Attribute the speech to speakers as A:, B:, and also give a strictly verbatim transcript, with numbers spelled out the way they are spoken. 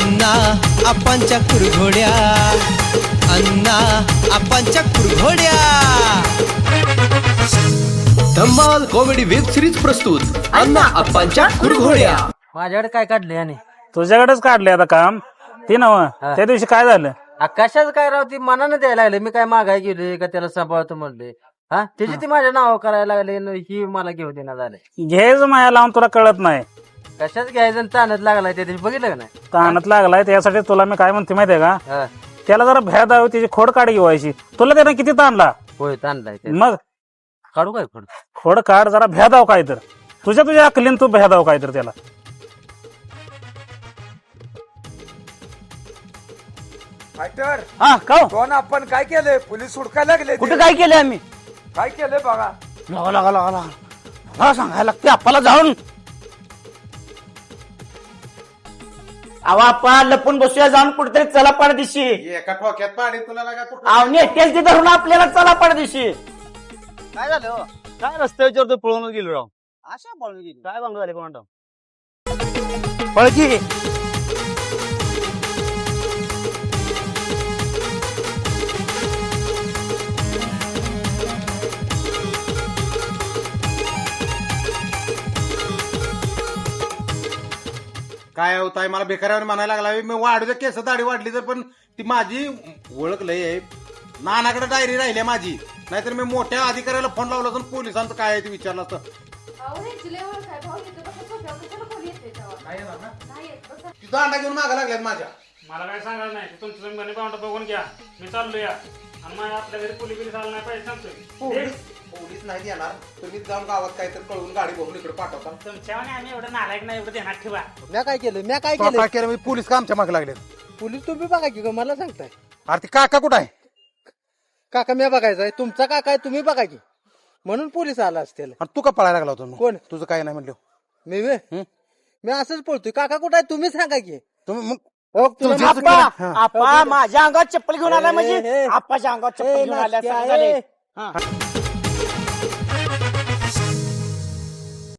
A: अण्णा आपांच्या कुरघोड्या, अण्णा आपांच्या कुरघोड्या. धम्माल कॉमेडी वेब सिरीज प्रस्तुत अण्णा आपांच्या कुरघोड्या.
B: माझ्याकडे काय काढले आणि
C: तुझ्याकडेच काढले आता काम ते नव. त्या दिवशी काय झालं?
B: कशाच काय राव ती मनानं द्यायला लागले. मी काय मागाय गेले का त्याला सांभाळतो म्हणले. हा त्याची ती माझ्या नाव करायला लागले न ही मला घेऊ देण्यात आले.
C: घ्यायचं माया लावून तुला कळत नाही.
B: कशाच घ्यायचं ताणत लागलाय त्या दिवशी बघितलं का नाही.
C: ताणत लागलाय त्यासाठी तुला मी काय म्हणते माहितीये का,
B: हा,
C: त्याला जरा भ्या द्यावी, त्याची खोड काढ घेवायची. तुला त्यानं किती ताणला.
B: होय ताणलाय ते.
C: मग
B: काढू काय खोड.
C: खोड काढ, जरा भ्या दाव काय तर. तुझ्या तुझ्या अकलीन तू भ्या दाव काय तर त्याला.
D: फायटर
E: हा का
D: कोण आपण काय केलंय? पोलीस हुडकायला लागले.
E: कुठे काय केलं आम्ही?
D: काय केलंय बघा.
E: लागा लागा लागा लागा मला सांगायला लागते आपल्याला जाऊन. अहो आपण लपून बसूया जाऊन कुठेतरी चला पडदिशी.
F: एका ठोक्यात पाणी तुला लागा कुठं.
E: अहो नेटेल ती धरून आपल्याला चला पडदिशी.
G: काय झालं हो? काय रस्त्यावर तो पळून गेलो राव. अशा पळून गेली काय भांग झाले कोणा
E: पळकी
F: काय होत आहे मला बेकारावर म्हणायला लागला. मी वाढू द्या केस दाढी वाढली तर, पण ती माझी ओळख लय आहे. नानाकडे डायरी राहिली आहे माझी. नाहीतर मी मोठ्या अधिकाऱ्याला फोन लावला तर पोलिसांचं काय आहे ते विचारलं असतं. ती दांडा घेऊन मागा लागल्यात माझ्या.
C: मला काय सांगायला नाही. तुमचं तुम्ही पाहुणा बघून घ्या. मी चाललो या आणि माझ्या आपल्या घरी पोलीस बिलीस आलं नाही पाहिजे सांगतोय.
F: पोलीस नाही येणार. तुम्ही जाऊन गावात काहीतरी कळून गाडी बघून इकडे पाठवता.
C: तुमच्या आम्ही एवढं नालायक नाही, एवढं ध्यानात ठेवा.
B: म्या काय केलं म्या काय
F: काय
B: केलं.
F: केलं मी? पोलीस का आमच्या मागे लागलेत?
B: पोलीस तुम्ही बघा की मला सांगताय.
F: अरे ती काका कुठं आहे?
B: काका म्या बघायचाय. तुमचा काका आहे तुम्ही बघा की. म्हणून पोलीस आला असतील.
F: आणि तू का पळायला लागला होता?
B: कोण?
F: तुझं काय नाही म्हणलं.
B: मी वे मी असंच पळतोय. काका कुठं आहे तुम्ही सांगा की.
F: तुम्ही मग
B: हो, तुला
F: तुझ्या-
B: माहिती आहे?
E: आपा आपा माझ्या अंगात चप्पल घेऊन आला म्हणजे
B: ए, ए,
E: आपाच्या अंगात
B: ए,
E: चप्पल घेऊन आल्या
B: नाश्त्या,
E: असं झाले.
B: ए.
E: हा